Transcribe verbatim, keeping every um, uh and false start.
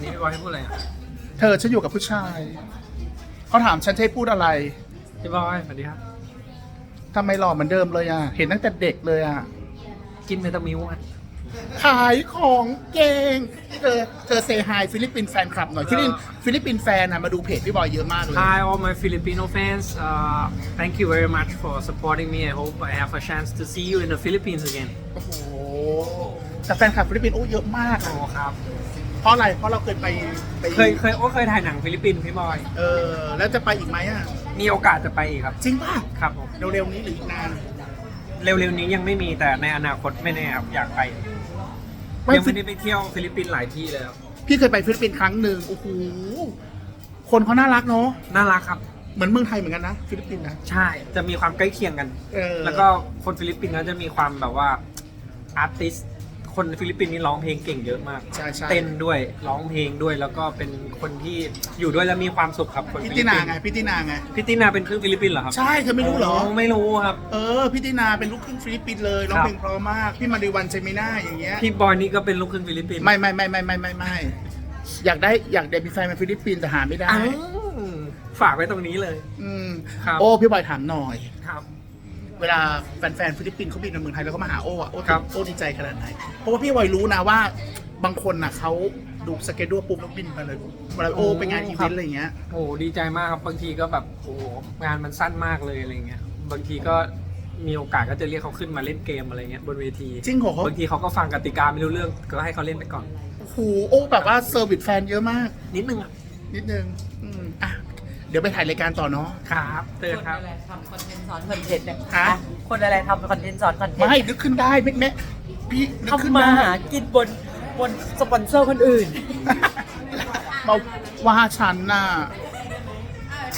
นี้พี่บอยให้พูดอะไรอ่ะเธอฉันอยู่กับผู้ชาย เขาถามฉันจะให้พูดอะไรพี่บอยสวัสดีครับทำไมหล่อเหมือนเดิมเลยอ่ะ เห็นตั้งแต่เด็กเลยอ่ะกินเมตามิวอ่ะขายของเก่งเธอเธอเซฮายฟิลิปปินส์แฟนคลับหน่อยฟิลิปปินส์ฟิลิปปินส์แฟนนะมาดูเพจพี่บอยเยอะมากเลย Hi all my Filipino fans uh, thank you very much for supporting me I hope I have a chance to see you in the Philippines again โอ้โหแต่แฟนคลับฟิลิปปินส์โอ้เยอะมากโอ้อะครับเพราะอะไร เพราะเราเคยไปไปเคยเคยโอ้เคยถ่ายหนังฟิลิปปินส์พี่บอยเออแล้วจะไปอีกไหมอ่ะมีโอกาสจะไปอีกครับจริงป่ะครับผมเร็วๆนี้หรืออีกนานเร็วๆนี้ยังไม่มีแต่ในอนาคตไม่แน่ครับอยากไปไม่ยังไม่ได้ไปเที่ยวฟิลิปปินส์หลายที่เลยครับพี่เคยไปฟิลิปปินส์ครั้งหนึ่งโอ้โหคนเขาน่ารักเนาะน่ารักครับเหมือนเมืองไทยเหมือนกันนะฟิลิปปินส์นะใช่จะมีความใกล้เคียงกันเออแล้วก็คนฟิลิปปินส์เขาจะมีความแบบว่าอาร์ติสคนฟิลิปปินส์นี่ร้องเพลงเก่งเยอะมากใช่ใช่เต้นด้วยร้องเพลงด้วยแล้วก็เป็นคนที่อยู่ด้วยแล้วมีความสุขครับคนพี่ฟิติลิปนาปินส์ไงพี่ตินาไงพี่ตินาเป็นครึ่งฟิลิปปินส์เหรอครับใช่เธอไม่รู้เหรอไม่รู้ครับเออพี่ตินาเป็นลูกครึ่งฟิลิปปินส์เลยร้องครับเพลงเพราะมากพี่มาริวันเจมิน่าอย่างเงี้ยพี่บอยนี่ก็เป็นลูกครึ่งฟิลิปปินส์ไม่ไม่ไม่ไม่ไม่ไม่ไม่อยากได้อยากได้มีแฟนเป็นฟิลิปปินส์แต่หาไม่ได้อ้าวฝากไว้ตรงนี้เลยอืมครับโอ้พี่บอยถามหน่อยครับเวลาแฟนๆฟิลิปปินส์เขาบินมาเมืองไทยแล้วเขามาหาโอ้อะโอ้ครับโอ้ดีใจขนาดไหนเพราะว่าพี่บอยรู้นะว่าบางคนน่ะเขาดูสเกจดูปุ๊บแล้วบินไปเลยเวลาโอ้ไปงานอีเวนต์อะไรอย่างเงี้ยโอ้ดีใจมากครับบางทีก็แบบโอ้งานมันสั้นมากเลยอะไรเงี้ยบางทีก็มีโอกาสก็จะเรียกเขาขึ้นมาเล่นเกมอะไรเงี้ยบนเวทีจริงเหรอบางทีเขาก็ฟังกติกาไม่รู้เรื่องก็ให้เขาเล่นไปก่อนโอ้โหโอ้แบบว่าเซอร์วิสแฟนเยอะมากนิดนึงอะนิดนึงอืมอ่ะเดี๋ยวไปถ่ายรายการต่อเนาะครับเตือนคนครับอะไรทำคอนเทนต์สอนคอนเทนต์เนี่ยฮะอ่ะคนอะไรทำคอนเทนต์สอนคอนเทนไม่ต์นึกขึ้นได้แม่แม่พี่นึกขึ้นทำมาได้หากินบนบนสปอนเซอร์คนอื่นมาว่าฉันน่ะ